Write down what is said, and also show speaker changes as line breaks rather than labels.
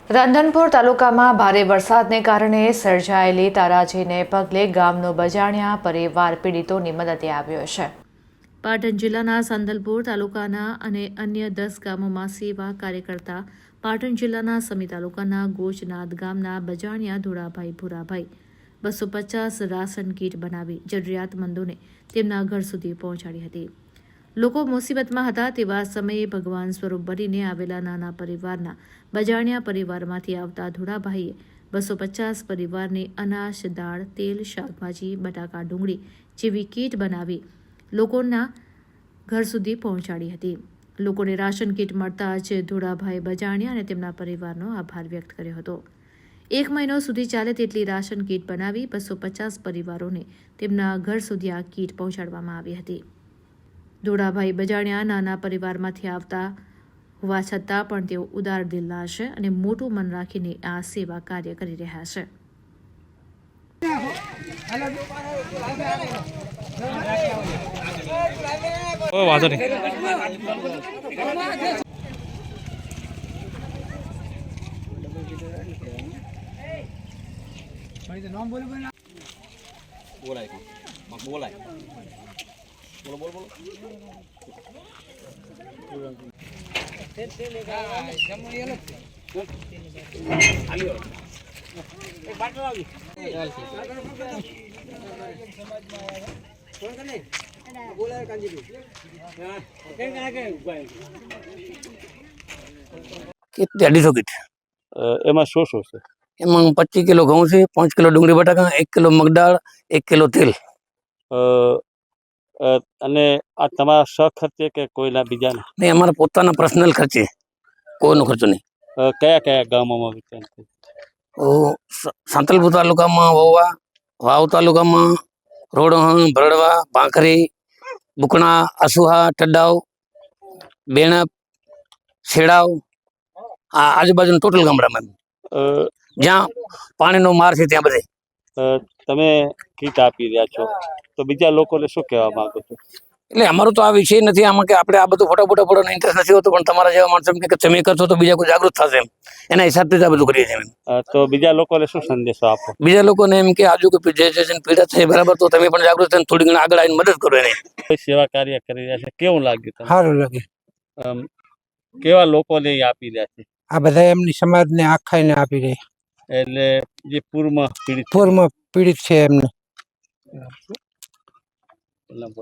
રાંધનપુર તાલુકામાં ભારે વરસાદને કારણે સર્જાયેલી તારાજીને પગલે ગામનો બજાણિયા પરિવાર પીડિતોની મદદે આવ્યો છે। પાટણ જિલ્લાના સંદલપુર તાલુકાના અને અન્ય 10 ગામોમાં સેવા કાર્ય કરતા પાટણ જિલ્લાના સમી તાલુકાના ગોચનાથ ગામના બજાણિયા ધોળાભાઈ ભૂરાભાઈ 250 રાશન કીટ બનાવી જરૂરિયાતમંદોને તેમના ઘર સુધી પહોંચાડી હતી। લોકો મુસીબતમાં હતા તેવા સમયે ભગવાન સ્વરૂપ બનીને આવેલા નાના પરિવારના બજાણિયા પરિવારમાંથી આવતા ધોળાભાઈએ 250 પરિવારને અનાજ, દાળ, તેલ, શાકભાજી, બટાકા, ડુંગળી જેવી કીટ બનાવી લોકોના ઘર સુધી પહોંચાડી હતી। લોકોને રાશન કીટ મળતા જ ધોળાભાઈ બજાણિયા અને તેમના પરિવારનો આભાર વ્યક્ત કર્યો હતો। 1 મહિનો સુધી ચાલે તેટલી રાશન કીટ બનાવી 250 પરિવારોને તેમના ઘર સુધી આ કીટ પહોંચાડવામાં આવી હતી। ધોળાભાઈ બજાણિયા નાના પરિવારમાંથી આવતા હોવા છતાં પણ તેઓ ઉદાર દિલના છે અને મોટું મન રાખીને આ સેવા કાર્ય કરી રહ્યા છે।
વાંધો નહીં।
बोलो बोलो बोलो
कितने 250 किट
એમાં શું શું છે?
એમાં 25 કિલો ઘઉં છે, 5 કિલો ડુંગળી બટાકા, 1 કિલો મગદાળ, 1 કિલો તેલ।
અને આ તમારા સખર્ચે કે કોઈના બીજાના?
નહીં, અમારા પોતાના પર્સનલ ખર્ચે, કોઈનો ખર્ચો નહીં।
કયા કયા ગામોમાં વિતરણ થયું?
સાંતલપુર તાલુકામાં વોવા, વાવ તાલુકામાં રોડહણ, ભરડવા, પાંખરી, બુકણા, અસુહા, ટડાવ, બેણપ, છેડાવ, આ આજુબાજુના ટોટલ ગામડામાં જ્યાં પાણીનો માર છે ત્યાં બધે
તમે કીટ આપી રહ્યા છો, તો બીજા લોકોને શું કહેવા માંગો છો?
એટલે અમારો તો આ વિષય નથી આમાં કે આપણે આ બધું ફોટા ફોટોનો ઇન્ટરેસ્ટ નથી હોતો, પણ તમારા જેવા માણસો કે તમે કરશો તો બીજા કોઈ જાગૃત થશે એમ, એના હિસાબથી આ બધું કરીએ છીએ।
તો બીજા લોકોને શું સંદેશો આપો?
બીજા લોકોને એમ કે આજુ કોઈ જે પીડા છે બરાબર, તો તમે પણ જાગૃત થઈને થોડી ઘણી આગળ આવીને મદદ કરો એને।
સેવા કાર્ય કરી રહ્યા છે, કેવું લાગ્યું તમને?
સારું લાગે।
કેવા લોકોને આપી રહ્યા છે?
આ બધા એમની સમાજને આખાઈને આપી રહી,
એટલે જે પૂરમાં
પૂરમાં પીડિત છે એમને।